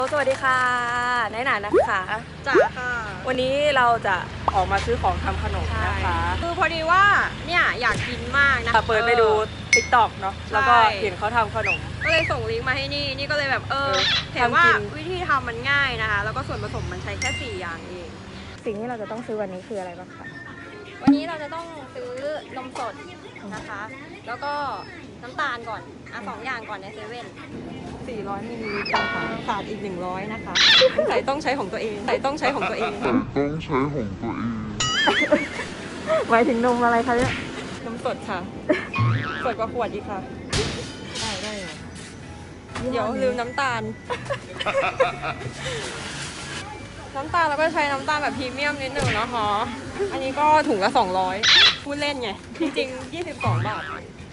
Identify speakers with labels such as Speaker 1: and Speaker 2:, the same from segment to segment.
Speaker 1: สวัสดีค่ะนายหนานะคะ
Speaker 2: จ๋าค่ะ
Speaker 1: วันนี้เราจะออกมาซื้อของทำขนมนะคะ
Speaker 2: คือพอดีว่าเนี่ยอยากกินมากนะ
Speaker 1: เปิดไปดู TikTok เนาะแล้วก็เห็นเขาทำขนม
Speaker 2: ก็เลยส่งลิงก์มาให้นี่ก็เลยแบบเห็นว่าวิธีทำมันง่ายนะคะแล้วก็ส่วนผสมมันใช้แค่4อย่างเอง
Speaker 1: สิ่งที่เราจะต้องซื้อวันนี้คืออะไรบ้างคะ
Speaker 2: วันนี้เราจะต้องซื้อนมสดนะคะแล้วก็น้ำตาลก่อน2 อย่างก่อนในเซเว่น400มิลลิลิตรค่ะขาดอีก100นะคะใส่ต้องใช้ของตัวเอง
Speaker 1: หมายถึงนมอะไรคะเนี่ย
Speaker 2: นมสดค่ะสดกว่าขวดอีกค่ะ
Speaker 1: ได้
Speaker 2: เดี๋ยวลืมน้ำตาลเราก็ใช้น้ำตาลแบบพรีเมียมนิดหนึ่งนะคะอันนี้ก็ถุงละ200พูดเล่นไงจริงๆ22 บาท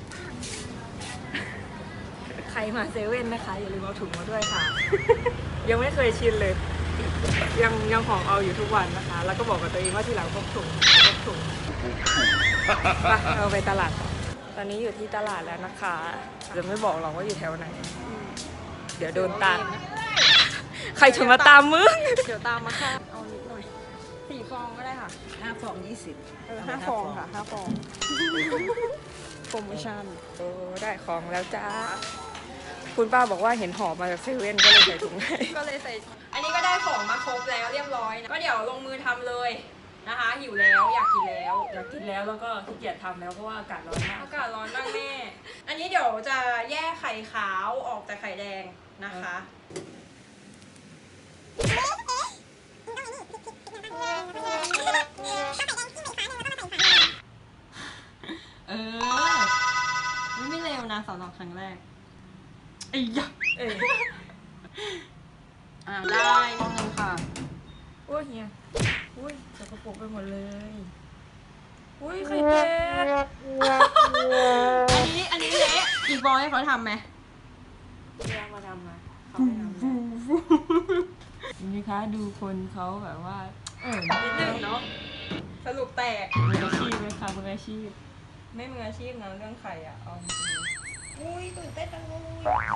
Speaker 1: ใครมาเซเว่นนะคะอย่าลืมเอาถุงมาด้วยค่ะ ยังไม่เคยชินเลยยังของเอาอยู่ทุกวันนะคะ แล้วก็บอกกับตัวเองว่าที่หลังพกถุงเราไปตลาดตอนนี้อยู่ที่ตลาดแล้วนะคะจะไม่บอกหรอกว่าอยู่แถวไหนเดี๋ยวโดนตามใครจะมาตามมึง
Speaker 2: เดี๋ยวตามมาค่ะเอานิดหน่อย4 ฟองก็ได้ค่ะ
Speaker 3: 5 ฟอง 20
Speaker 2: 5 ฟองค่ะ5 ฟองโปรโมชั่น
Speaker 1: ได้ของแล้วจ้าคุณป้าบอกว่าเห็นห่อมาจากเซเว่นก็เลยใส่ถุงให้
Speaker 2: ก็เลยใส่อันนี้ก็ได้ของมาครบแล้วเรียบร้อยนะก็เดี๋ยวลงมือทำเลยนะคะหิวแล้วอยากกิน
Speaker 1: แล้วก็ขี้เกียจทำแล้วเพราะว่าอากาศร้อนมาก
Speaker 2: แม่อันนี้เดี๋ยวจะแยกไข่ขาวออกจากไข่แดงนะคะไม่เร็วนะสำหรับครั้งแรกไอ้ยักษ์ได้ฟองนึงค่ะ
Speaker 1: โอ้ยเฮียอุ้ยสกปรกไปหมดเลยอุ้ยไข่แดง
Speaker 2: อันนี้เละอีกฟองให้เขาทำไหม
Speaker 1: ย่ามาทำมาเขาไม่ทำนี่คะดูคนเขาแบบว่า
Speaker 2: นิดนึงเนาะสรุปแตก
Speaker 1: มืออาชีพไหมคะมืออาชีพ
Speaker 2: ไม่มืออาชีพนะเรื่องไข่อ่ะเอาอุ้ยตื่นเต้นจังเลย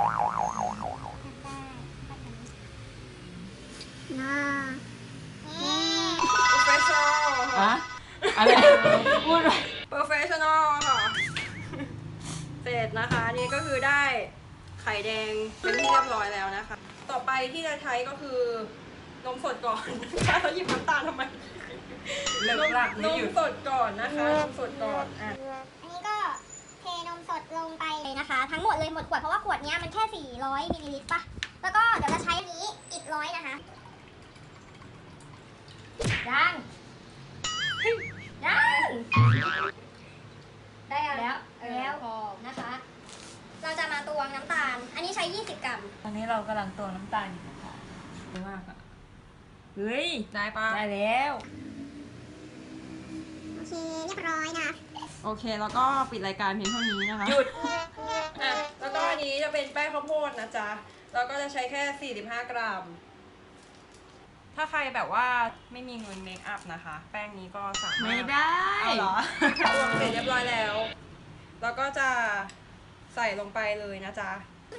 Speaker 2: โปรเฟชชั่นอล
Speaker 1: ค่ะอะไรพูดไป
Speaker 2: โปรเฟชชั่นอลค่ะเสร็จนะคะนี่ก็คือได้ไข่แดงเป็นที่เรียบร้อยแล้วนะคะต่อไปที่จะใช้ก็คือนมสดก่อนนะคะเราหยิบน้ำตาลทำไมนมสดก่อนนะคะนมสดก่อน
Speaker 4: อันนี้ก็เทนมสดลงไปเลยนะคะทั้งหมดเลยหมดขวดเพราะว่าขวดนี้มันแค่400มิลลิลิตรป่ะแล้วก็เดี๋ยวจะใช้อันนี้อีก100นะคะยังได้แล้วพอนะคะเราจะมาตวงน้ำตาลอันนี้ใช้20 กรัม
Speaker 1: ตอนนี้เรากำลังตวงน้ำตาลอยู่นะคะเยอะมากอะเฮ้ย
Speaker 2: ได้ปะ
Speaker 1: ได้แล้ว
Speaker 4: โอเคเรียบร้อยนะ
Speaker 2: โอเคแล้วก็ปิดรายการเพียงเท่านี้นะคะ
Speaker 1: หยุด
Speaker 2: แล้วก็อันนี้จะเป็นแป้งข้าวโพดนะจ๊ะแล้วก็จะใช้แค่45 กรัมถ้าใครแบบว่าไม่มีเงินเมคอัพนะคะแป้งนี้ก็สามารถ
Speaker 1: ไม่ได้
Speaker 2: เหรอตวงเสร็จเรียบร้อยแล้วแล้วก็จะใส่ลงไปเลยนะจ๊ะ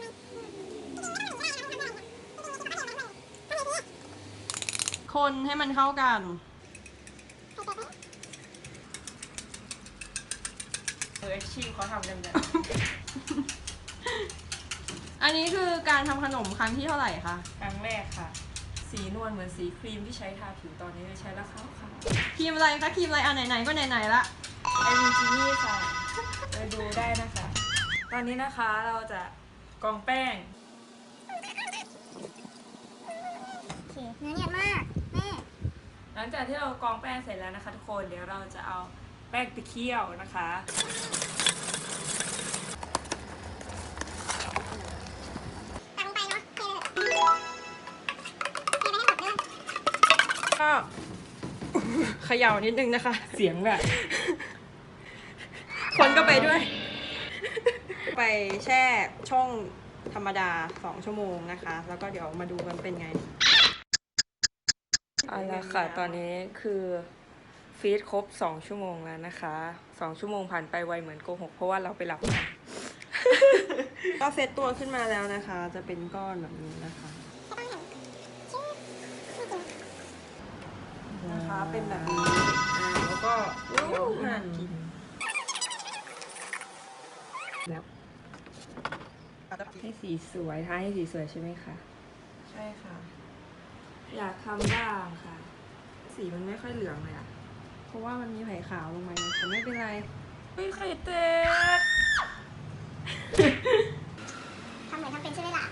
Speaker 2: คนให้มันเข้ากัน
Speaker 1: อาชีพเขาทำกันแบบ
Speaker 2: อันนี้คือการทำขนมครั้งที่เท่าไหร่คะ
Speaker 1: ครั้งแรกค่ะสีนวลเหมือนสีครีมที่ใช้ทาผิวตอนนี้ใช้แล้วค่ะ
Speaker 2: ครีมอะไรคะครีมอะไรไหนๆก็ไหนๆละ
Speaker 1: ไอริจินี่ค่ะไปดูได้นะคะตอนนี้นะคะเราจะกรองแป้ง
Speaker 4: โอเคเนื้อเนียนมากแม่
Speaker 1: หลังจากที่เรากรองแป้งเสร็จแล้วนะคะทุกคนเดี๋ยวเราจะเอาแป้งไปเคี่ยวนะคะ
Speaker 4: ตักลงไปเนาะเทไปให้หมดเลย
Speaker 2: ก็เขย่านิดนึงนะคะ
Speaker 1: เสียงแบบ
Speaker 2: คนก็ไปด้วยไปแช่ช่องธรรมดา2 ชั่วโมงนะคะแล้วก็เดี๋ยวมาดูกันเป็นไง
Speaker 1: เอาละค่ะตอนนี้คือฟีดครบ2 ชั่วโมงแล้วนะคะ2 ชั่วโมงผ่านไปไวเหมือนโกหกเพราะว่าเราไปหลับมา
Speaker 2: ก็เซตตัวขึ้นมาแล้วนะคะจะเป็นก้อนแบบนี้นะคะเป็นแบบนี้แล้วก็หั่นกินแล้ว
Speaker 1: ให้สีสวยทาให้สีสวยใช่ไหมคะ
Speaker 2: ใช่ค่ะ
Speaker 1: อยากทำบ้างค่ะ สีมันไม่ค่อยเหลืองเลยอะ
Speaker 2: เพราะว่ามันมีไผ่ขาวลงมาแต่ไม่เป็นไร
Speaker 1: เฮ้ยไข่แตก
Speaker 4: ทำเหมือนทำเป็นใช่ไหมล่ะ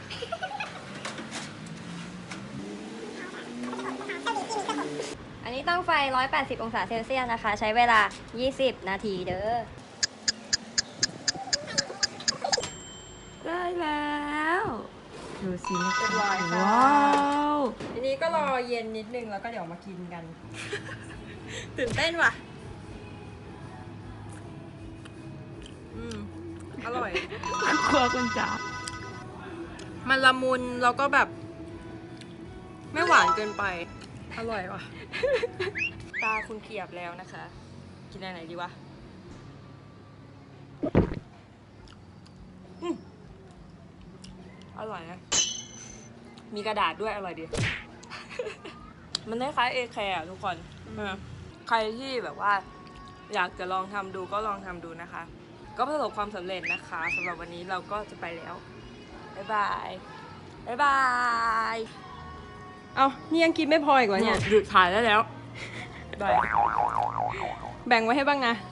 Speaker 3: อันนี้ตั้งไฟ 180 องศาเซลเซียสนะคะ ใช้เวลา 20 นาทีเด้อ
Speaker 1: ได้แล้วดูสิ
Speaker 2: เรียบร้อยค่ะ
Speaker 1: ว้าว
Speaker 2: ทีนี้ก็รอเย็นนิดนึงแล้วก็เดี๋ยวมากินกัน ตื่นเต้นว่ะ อร่อย
Speaker 1: ครัวคุณจ๋า
Speaker 2: มันละมุนแล้วก็แบบ ไม่หวานเกินไป อร่อยว่ะ
Speaker 1: ตาคุณเขียบแล้วนะคะ กินอะไรดีวะอร่อยนะ มีกระดาษด้วยอร่อยดี มันคล้ายๆเอแคร์ทุกคนใครที่แบบว่า อยากจะลองทำดูก็ลองทำดูนะคะ ก็ประสบความสำเร็จนะคะสำหรับวันนี้เราก็จะไปแล้ว บ๊ายบาย บ๊ายบาย
Speaker 2: เอานี่ยังกินไม่พออีกเหรอเนี่ย
Speaker 1: หยุดถ่ายได้แล้ว บ๊ายบาย
Speaker 2: แบ่งไว้ให้บ้างนะ